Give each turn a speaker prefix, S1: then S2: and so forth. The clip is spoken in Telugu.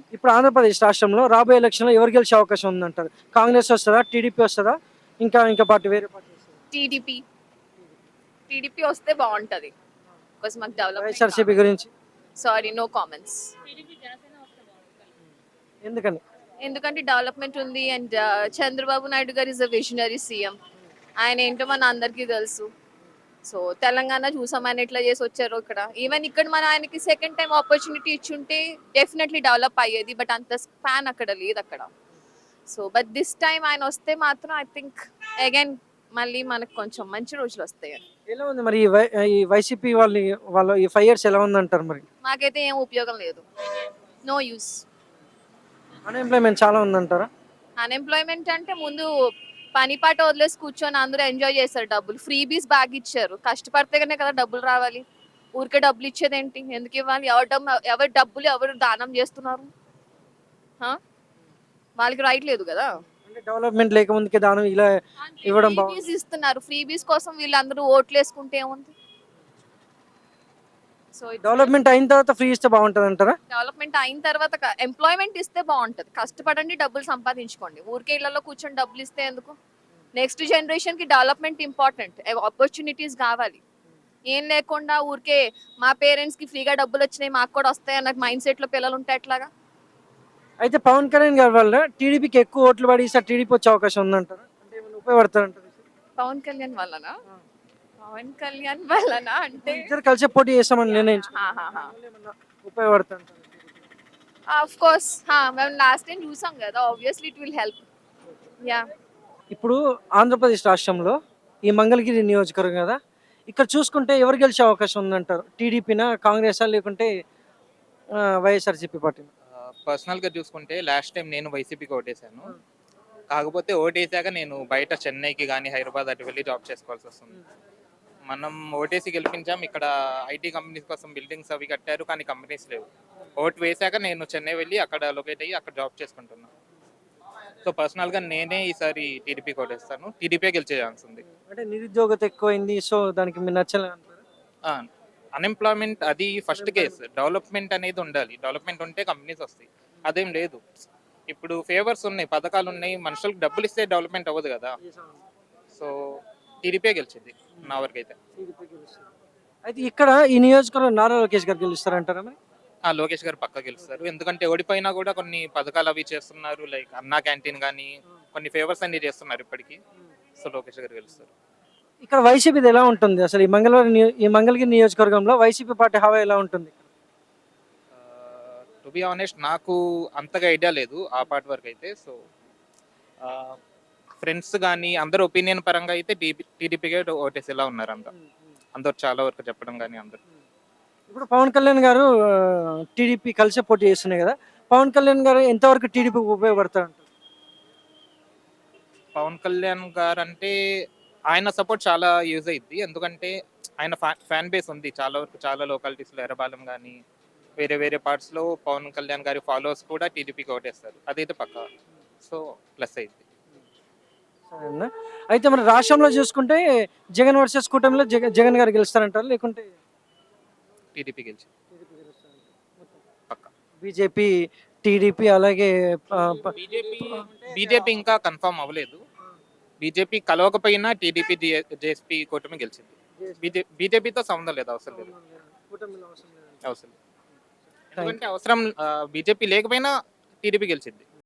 S1: ఇప్పుడు ఆంధ్రప్రదేశ్ రాష్ట్రంలో రాబోయే ఎలక్షన్‌లో ఎవరు గెలిచే అవకాశం ఉందంటారు? కాంగ్రెస్ వస్తదా? టీడీపీ వస్తదా? ఇంకా పార్టీ వేరే పార్టీ వస్తదా?
S2: టీడీపీ టీడీపీ వస్తే బాగుంటది. బికాస్ మాకు డెవలప్మెంట్
S1: వైఎస్ఆర్‌సీపీ గురించి
S2: సారీ, నో కామెంట్స్.
S1: ఎందుకని?
S2: ఎందుకంటే డెవలప్మెంట్ ఉంది అండ్ చంద్రబాబు నాయుడు గారు ఇస్ అ విజనరీ సీఎం. ఆయన ఏంటో మన అందరికీ తెలుసు. సో తెలంగాణ చూసాం ఆయన ఎట్లా చేసి వచ్చారో ఇక్కడ. ఈవెన్ ఇక్కడ మన ఆయనకి సెకండ్ టైం ఆపర్చునిటీ ఇచ్చుంటే డెఫినెట్లీ డెవలప్ అయ్యేది. బట్ అంత స్పాన్ అక్కడ లేదు అక్కడ. సో బట్ దిస్ టైం ఆయన వస్తే మాత్రం ఐ థింక్ అగైన్ మళ్ళీ మనకు కొంచెం మంచి రోజులు వస్తాయి.
S1: ఎలా ఉంది మరి ఈ వైసీపీ వాళ్ళ ఈ 5 ఇయర్స్ ఎలా ఉందంటారు మరి?
S2: మాకైతే ఏం ఉపయోగం లేదు. No use.
S1: అన్‌ఎంప్లాయ్‌మెంట్ చాలా ఉందంటారా?
S2: అన్‌ఎంప్లాయ్‌మెంట్ అంటే ముందు పని పాట వదిలేసి కూర్చొని అందరూ ఎంజాయ్ చేశారు డబ్బులు. ఫ్రీబీస్ బాగా ఇచ్చారు. కష్టపడితేనే కదా డబ్బులు రావాలి. ఊరికే డబ్బులు ఇచ్చేదేంటి? ఎందుకు ఇవ్వాలి? ఎవరి డబ్బులు ఎవరు దానం చేస్తున్నారు? ఆ? వాళ్ళకి రైట్ లేదు కదా.
S1: అంటే డెవలప్‌మెంట్ లేకముందుకే దానం ఇలా ఇవ్వడం
S2: ఫ్రీబీస్ ఇస్తున్నారు. ఫ్రీబీస్ కోసం వీళ్ళందరూ ఓట్లు వేసుకుంటే ఏముంది? సో
S1: డెవలప్‌మెంట్ అయిన తర్వాత ఫ్రీ ఇస్తే బాగుంటదంటారా?
S2: డెవలప్మెంట్ అయిన తర్వాత ఎంప్లాయ్మెంట్ ఇస్తే బాగుంటది. కష్టపడండి, డబ్బులు సంపాదించుకోండి. ఊరికే ఇళ్లలో కూర్చొని డబ్బులు ఇస్తే ఎందుకు? నెక్స్ట్ జనరేషన్ కి డెవలప్మెంట్ ఇంపార్టెంట్. ఆపర్చునిటీస్ కావాలి. ఏం లేకుండా ఊరికే మా పేరెంట్స్ కి ఫ్రీగా డబ్బులు వచ్చినాయి మాకు కూడా వస్తాయి అన్న మైండ్ సెట్ లో పిల్లలు ఉంటే ఎట్లాగా?
S1: అయితే పవన్ కళ్యాణ్ గారి వల్ల టీడీపీకి ఎక్కువ ఓట్లు పడి ఈసారి టీడీపీ వచ్చే అవకాశం ఉందంటారా? అంటే ఏమైనా ఉపయోగపడతారంటారా?
S2: పవన్ కళ్యాణ్ వల్లనా? పవన్ కళ్యాణ్ వల్లనా అంటే
S1: ఇద్దరు కలిసి పోటీ చేస్తామని నిర్ణయించుకున్నారు. ఏమన్నా ఉపయోగపడతారంటారా?
S2: ఆఫ్ కోర్స్ మేము లాస్ట్ టైం చూసాం కదా, obviously it will help. Yeah.
S1: ఇప్పుడు ఆంధ్రప్రదేశ్ రాష్ట్రంలో ఈ మంగళగిరి నియోజకవర్గం కదా, ఇక్కడ చూసుకుంటే ఎవరు గెలిచే అవకాశం ఉందంటారు? టీడీపీనా, కాంగ్రెసా, లేకుంటే వైఎస్ఆర్సీపీ పార్టీనా?
S3: పర్సనల్‌గా చూసుకుంటే లాస్ట్ టైం నేను వైసీపీకి ఓటేసాను. కాకపోతే ఓటేసాక నేను బయట చెన్నైకి గానీ, హైదరాబాద్ అటు వెళ్లి జాబ్ చేసుకోవాల్సొస్తుంది. మనం ఓటేసి గెలిపించాం. ఇక్కడ ఐటీ కంపెనీస్ కోసం బిల్డింగ్స్ అవి కట్టారు. కానీ కంపెనీస్ లేవు. ఓటు వేశాక నేను చెన్నై వెళ్లి అక్కడ లొకేట్ అయ్యి అక్కడ జాబ్ చేసుకుంటున్నా. సో పర్సనల్‌గా నేనే ఈసారి టీడీపీకి ఓటేస్తాను. టీడీపీయే గెలిచే ఛాన్స్ ఉంది.
S1: అంటే నిరుద్యోగత ఎక్కువైంది, సో దానికి మీరు నచ్చలేదు అంటారా?
S3: ఆ! అన్‌ఎంప్లాయ్‌మెంట్ అది ఫస్ట్ కేస్. డెవలప్‌మెంట్ అనేది ఉండాలి. డెవలప్‌మెంట్ ఉంటే కంపెనీస్ వస్తాయి. అదేం లేదు. ఇప్పుడు ఫేవర్స్ ఉన్నాయి, పథకాలున్నాయి. మనుషులకు డబ్బులిస్తే డెవలప్‌మెంట్ అవ్వదు కదా! సో టీడీపీయే గెలిచిద్ది నా వరకైతే.
S1: టీడీపీ గెలుస్తుంది. అయితే ఇక్కడ ఈ నియోజకవర్గం నారా లోకేష్ గారు గెలుస్తారంటారా మరి?
S3: లోకేష్ గారు పక్కా గెలుస్తారు. ఎందుకంటే ఓడిపోయినా కూడా కొన్ని పథకాలు అవి చేస్తున్నారు. లైక్ అన్నా క్యాంటీన్ గానీ, కొన్ని ఫేవర్స్ అన్ని చేస్తున్నారు ఇప్పటికి. సో లోకేష్ గారు గెలుస్తారు.
S1: ఇక్కడ వైసీపీది ఎలా ఉంటుంది అసలు? ఈ మంగళగిరి నియోజకవర్గంలో వైసీపీ పార్టీ హవా ఎలా ఉంటుంది?
S3: టు బి ఆనెస్ట్ నాకు అంతగా ఐడియా లేదు ఆ పార్ట్ వరకు అయితే. సో ఫ్రెండ్స్ కానీ అందరు ఒపీనియన్ పరంగా అయితే టీడీపీకే ఓటేసేలా ఉన్నారు అందరు చాలా వరకు చెప్పడం కానీ అందరు.
S1: ఇప్పుడు పవన్ కళ్యాణ్ గారు టీడీపీ కలిసి పోటీ చేస్తున్నాయి కదా, పవన్ కళ్యాణ్ గారు ఎంతవరకు టీడీపీకి ఉపయోగపడతారంటారు?
S3: పవన్ కళ్యాణ్ గారు అంటే ఆయన సపోర్ట్ చాలా యూజ్ అయ్యిద్ది. ఎందుకంటే ఆయన ఫ్యాన్ బేస్ ఉంది చాలా వరకు. చాలా లొకాలిటీస్లో ఎర్రబాలెం కానీ వేరే వేరే పార్ట్స్లో పవన్ కళ్యాణ్ గారి ఫాలోవర్స్ కూడా టీడీపీకి ఓటేస్తారు. అదైతే పక్కా. సో ప్లస్ అయింది.
S1: సరేనా? అయితే మన రాష్ట్రంలో చూసుకుంటే జగన్ వర్సెస్ కూటమిలో జగన్ గారు గెలుస్తారంటారు, లేకుంటే
S3: టీడీపీ గెలిచి పక్కా.
S1: బీజేపీ, టీడీపీ అలాగే
S3: బీజేపీ ఇంకా కన్ఫర్మ్ అవ్వలేదు. బీజేపీ కలవకపోయినా టీడీపీ జేఎస్పీ కూటమి గెలిచింది. బీజేపీతో సంబంధం లేదు, అవసరం లేదు. అవసరం లేదు. ఎందుకంటే అవసరం బీజేపీ లేకపోయినా టీడీపీ గెలిచింది.